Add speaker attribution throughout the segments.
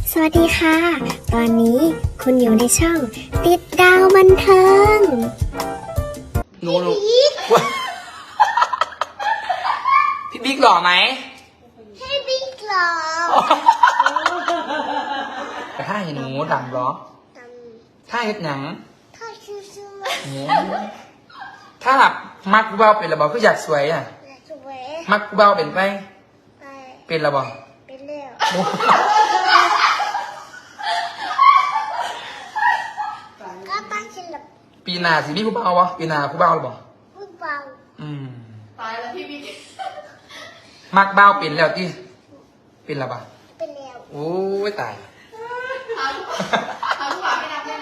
Speaker 1: สวัสดีค่ะ ตอนนี้คุณอยู่ในช่องติดดาวบันเทิง
Speaker 2: หนูว้าพี่บิ๊กหล่อไหม
Speaker 1: ให้บิ๊กหรอ
Speaker 2: แต่ถ้าเห็นหนูดำเหรอ ถ้าเห็นหนัง
Speaker 1: ถ้าชื่อ
Speaker 2: ถ้าแบบมักกูเบาเป็นระบอคืออยากสวยอ่ะ
Speaker 1: สวย
Speaker 2: มักกูเบาเป็นไป
Speaker 1: ไป
Speaker 2: เป็นระบอ
Speaker 1: เป็นเร็วก็ป้าฉันหลับ
Speaker 2: ปีหนาสิมีกูเบาวะปีหนากูเบาหรือบ่
Speaker 1: พูดเบา
Speaker 3: ตายแล้วพี่บิ๊ก
Speaker 2: มักเบาเป็นแล้วที่เป็นระบอ
Speaker 1: เป็นเร็ว
Speaker 2: โอ้ยตาย
Speaker 3: หาลูกหมาไม่นับด้วยนะ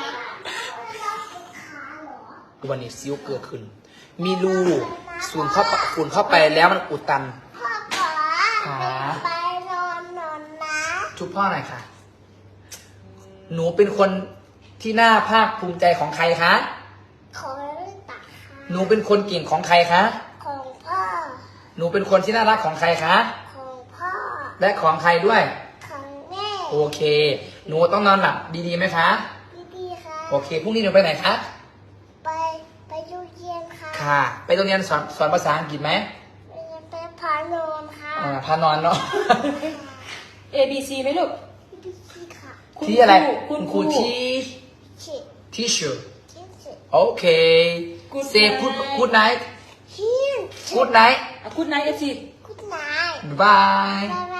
Speaker 2: วันนี้ซิ้วเกิดขึ้น มีรูสูนเข้าไปแล้วมันอุดตัน
Speaker 1: พ่อขอ
Speaker 2: ขา
Speaker 1: ไปนอนนะ
Speaker 2: ชุบพ่อหน่อยค่ะ หนูเป็นคนที่น่าภาคภูมิใจของใครคะ
Speaker 1: ขอตัก
Speaker 2: หนูเป็นคนเก่งของใครคะ
Speaker 1: ของพ่อ
Speaker 2: หนูเป็นคนที่น่ารักของใครคะ
Speaker 1: ของพ่อ
Speaker 2: และของใครด้วย
Speaker 1: ของแม่
Speaker 2: โอเค หนูต้องนอนหลับดีๆไหมคะ
Speaker 1: ดีๆค่ะ
Speaker 2: โอเค พรุ่งนี้หนูไปไหนคะ
Speaker 1: ไปดูเย็นค่ะ
Speaker 2: ค่ะ ไปโรงเรียนสอนภาษาอังกฤษไหม
Speaker 1: ไปพานอนค่ะ
Speaker 2: พานอนเนาะ
Speaker 3: A B C ไหมลูก
Speaker 1: ดีค่ะ
Speaker 2: ที่อะไร
Speaker 3: คุณค
Speaker 2: ค
Speaker 3: รู
Speaker 2: รูที่
Speaker 1: ชิ
Speaker 2: teacher
Speaker 1: ชิชิ
Speaker 2: โอเค
Speaker 3: Good
Speaker 2: say
Speaker 3: night
Speaker 2: good night
Speaker 1: ฮิน
Speaker 2: good night
Speaker 3: คุณนาย FC
Speaker 1: กุดนาย
Speaker 2: bye
Speaker 1: บ๊ายบ